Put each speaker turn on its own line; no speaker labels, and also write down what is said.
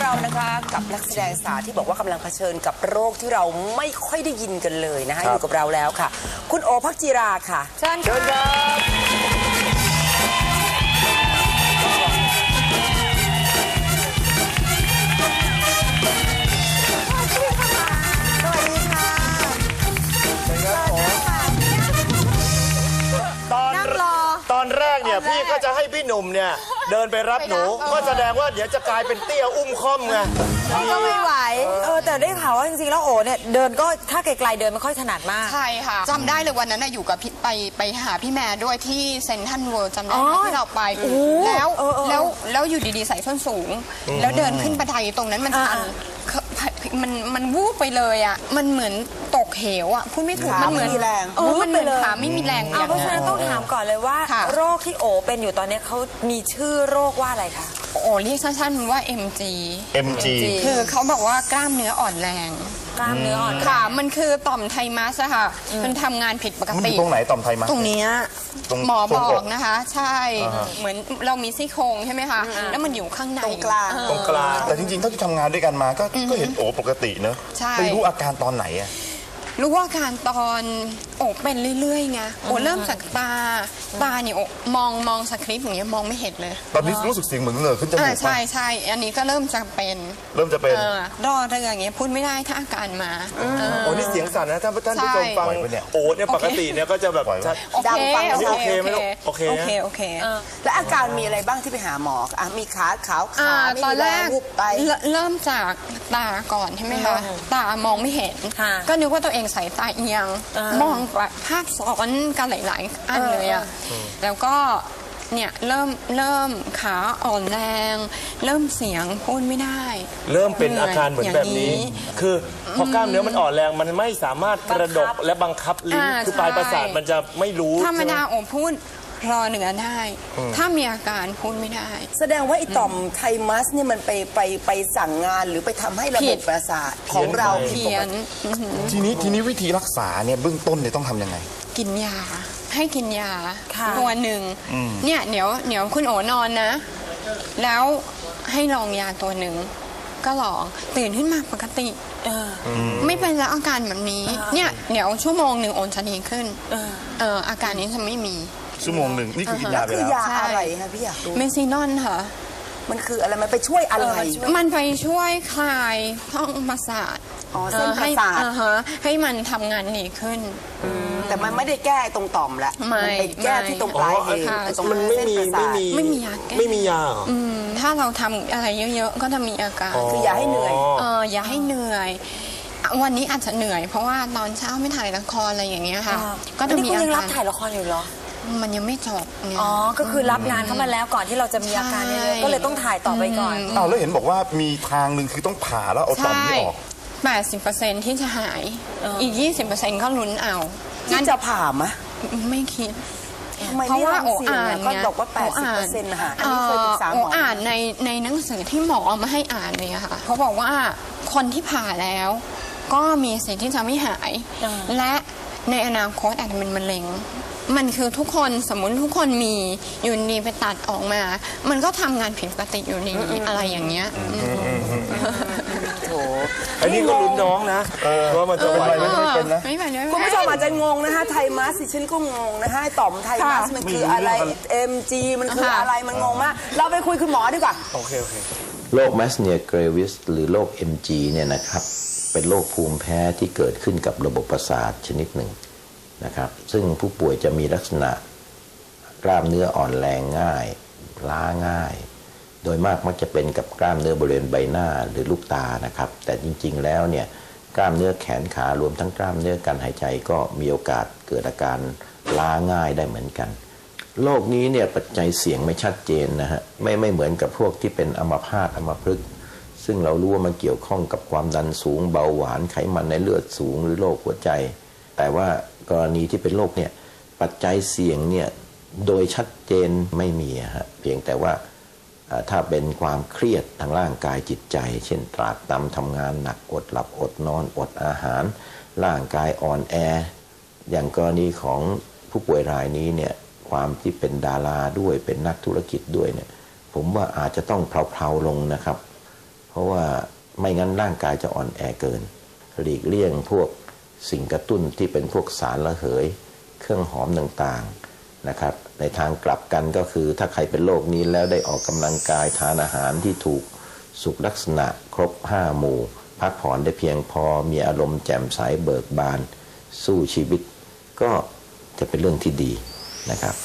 เรานะคะกับนักแสดงสาวที่บอกว่ากำลังเผชิญกับโรคที่เราไม่ค่อยได้ยินกันเลยนะคะอยู่กับเราแล้วค่ะคุณโอภักจิราค่ะ
เชิญครับ
ตอนแรกเนี่ยพี่ก็จะให้พี่หนุ่มเนี่ยเดินไปรับหนูก็แสดงว่าเดี๋ยวจะกลายเป็นเตี้ยอุ้มค่อมไง
ก็ไม่ไหว
แต่ได้ข่าวว่าจริงๆแล้วโอเนี่ยเดินก็ถ้าไกลๆเดินไม่ค่อยถนัดมาก
ใช่ค่ะจำได้เลยวันนั้นอยู่กับไปหาพี่แม่ด้วยที่เซนทรัลเวิลด์จำได้ที่เราไปแล้วอยู่ดีๆใส่ส้นสูงแล้วเดินขึ้นบันไดตรงนั้นมันวูบไปเลยอ่ะมันเหมือนตกเหวอ่ะพูดไม่ถูกมันเหมือน
แรง
มันเหมือนขาไม่มีแรง
เพราะฉะนั้นต้องถามก่อนเลยว่าโรคที่โอเป็นอยู่ตอนนี้เขามีชื่อโรคว่าอะไรคะ
โอเรียกสั้นๆว่า MG คือเขาบอกว่ากล้ามเนื้ออ่อนแรง
กล้ามเนื้ออ่อน
ค่ะมันคือต่อมไทมัสค่ะมันทำงานผิดปกติ
ตรงไหนต่อมไทมัส
ตรงนี้หมอบอกนะคะใช่เหมือนเรามีซี่โครงใช่ไหมคะแล้วมันอยู่ข้างใน
ตรงกลาง
แต่จริงๆถ้าที่ทำงานด้วยกันมาก็เห็นโอปกติเนอะไปรู้อาการตอนไหนอะ
รู้ว่าการตอนโอเป็นเรื่อยๆไงโอเริ่มจากตาเนี่ยมองสคริปต์อย่างเงี้ยมองไม่เห็นเลย
ตอนนี้รู้สึกเสียงเหมือนเหนือขึ้นจมูก
ใช่อันนี้ก็เริ่มจะเป็นรอเรื่องอย่างเงี้ยพูดไม่ได้ถ้าอาการมา
โอ้นี่เสียงสั่นนะท่านผู้ชมฟังโอเนี่ยปกติเนี่ยก็จะแบบ
ดังฟัง
โอเคไหมลูกโอเค
แล้วอาการมีอะไรบ้างที่ไปหาหมอมีขาขาว
ตอนแรกเริ่มจากตาก่อนใช่ไหมคะตามองไม่เห็นก็นึกว่าตัวเองสายตาเอียงมองภาพซ้อนกันหลายๆอันเลยอ่ะแล้วก็เนี่ยเริ่มขาอ่อนแรงเริ่มเสียงพูดไม่ได้
เริ่มเป็นอาการเหมือนแบบนี้คือพอกล้ามเนื้อมันอ่อนแรงมันไม่สามารถกระดกและบังคับลิ้นคือปลายประสาทมันจะไม่รู้
ธรรมดาโอพูดรอเหนือได้ถ้ามีอาการพูดไม่ได้
แสดงว่าไอ้ต่อมไทมัสเนี่ยมันไปสั่งงานหรือไปทำให้ระบบประสาทของเรา
เพี้ยน
ทีนี้วิธีรักษาเนี่ยเบื้องต้นเนี่ยต้องทำยังไง
กินยาให้กินยาตัวหนึ่งเนี่ยเดี๋ยวคุณโอนอนนะแล้วให้ลองยาตัวหนึ่งก็ลองตื่นขึ้นมาปกติไม่เป็นแล้วอาการแบบนี้เนี่ยเดี๋ยวชั่วโมงหนึ่งโอนจะดีขึ้นอาการนี้จะไม่มี
ชั่วโมงหนึ่งนี่คือกินยาไปแล้ว
คือยาอะไรคะพี่อยากรู้
เมซินอนค่ะ
มันคืออะไรมันไปช่วยอะไร
มันไปช่วยคลายท้องประสาท
เส้นประสาท
ให้มันทำงานดีขึ้น
แต่มันไม่ได้แก้ตรงต่อมละมันไปแก้ที่ตรงปลายเหตุ
มันไม่มี
ยาแก้
ไม่มียา
ถ้าเราทำอะไรเยอะๆก็จะมีอาการ
คืออย่าให้เหนื่อย
อย่าให้เหนื่อยวันนี้อาจจะเหนื่อยเพราะว่าตอนเช้าไม่ถ่ายละครอะไรอย่างเงี้ยค่ะ
ก็จะมีอาการยังรับถ่ายละครอยู่เหรอ
มันยังไม่จบ
ก็คือรับงานเข้ามาแล้วก่อนที่เราจะมีอาการเยอะก็เลยต้องถ่ายต่อไปก่อน
แล้วเห็นบอกว่ามีทางหนึ่งคือต้องผ่าแล้วเอาต่อมนี้ออก
80%ที่จะหายอีก 20%ก็ลุ้นเอา
งั้นจะผ่าไหม
ไม่คิด
เพราะว่าโออ่านก็บอกว่า 80%นะคะอันนี้เคยปรึกษาหมอ
อ่านในหนังสือที่หมอเอามาให้อ่านเลยค่ะเขาบอกว่าคนที่ผ่าแล้วก็มีสิทธิ์ที่จะไม่หายและในอนาคตอาจจะเป็นมะเร็งมันคือทุกคนสมมุติทุกคนมีอยู่ดีไปตัดออกมามันก็ทำงานผิดปกติอยู่ดีอะไรอย่างเงี้ย
โถ
อันนี้ก็ลุ้นน้องนะว่ามันจะไหวไม่เป็นนะ
คุณผู้ชมอาจจะงงนะคะไทมัสฉันก็งงนะคะต่อมไทมัสมันคืออะไร MG มันคืออะไรมันงงมากเราไปคุยคุณหมอดีกว่า
โอเค
โรคแมสเนียเกรวิสหรือโรค MG เนี่ยนะครับเป็นโรคภูมิแพ้ที่เกิดขึ้นกับระบบประสาทชนิดหนึ่งนะครับซึ่งผู้ป่วยจะมีลักษณะกล้ามเนื้ออ่อนแรงง่ายล้าง่ายโดยมากมักจะเป็นกับกล้ามเนื้อบริเวณใบหน้าหรือลูกตานะครับแต่จริงๆแล้วเนี่ยกล้ามเนื้อแขนขารวมทั้งกล้ามเนื้อการหายใจก็มีโอกาสเกิดอาการล้าง่ายได้เหมือนกันโรคนี้เนี่ยปัจจัยเสี่ยงไม่ชัดเจนนะฮะไม่เหมือนกับพวกที่เป็นอัมพาตอัมพฤกษ์ซึ่งเรารู้ว่ามันเกี่ยวข้องกับความดันสูงเบาหวานไขมันในเลือดสูงหรือโรคหัวใจแต่ว่ากรณีที่เป็นโรคเนี่ยปัจจัยเสี่ยงเนี่ยโดยชัดเจนไม่มีฮะเพียงแต่ว่าถ้าเป็นความเครียดทางร่างกายจิตใจเช่นตรากตรำทำงานหนักอดหลับอดนอนอดอาหารร่างกายอ่อนแออย่างกรณีของผู้ป่วยรายนี้เนี่ยความที่เป็นดาราด้วยเป็นนักธุรกิจด้วยเนี่ยผมว่าอาจจะต้องเพลาๆลงนะครับเพเพราะว่าไม่งั้นร่างกายจะอ่อนแอเกินหลีกเลี่ยงพวกสิ่งกระตุ้นที่เป็นพวกสารระเหยเครื่องหอมต่างๆนะครับในทางกลับกันก็คือถ้าใครเป็นโรคนี้แล้วได้ออกกำลังกายทานอาหารที่ถูกสุขลักษณะครบ5 หมู่พักผ่อนได้เพียงพอมีอารมณ์แจ่มใสเบิกบานสู้ชีวิตก็จะเป็นเรื่องที่ดีนะครับ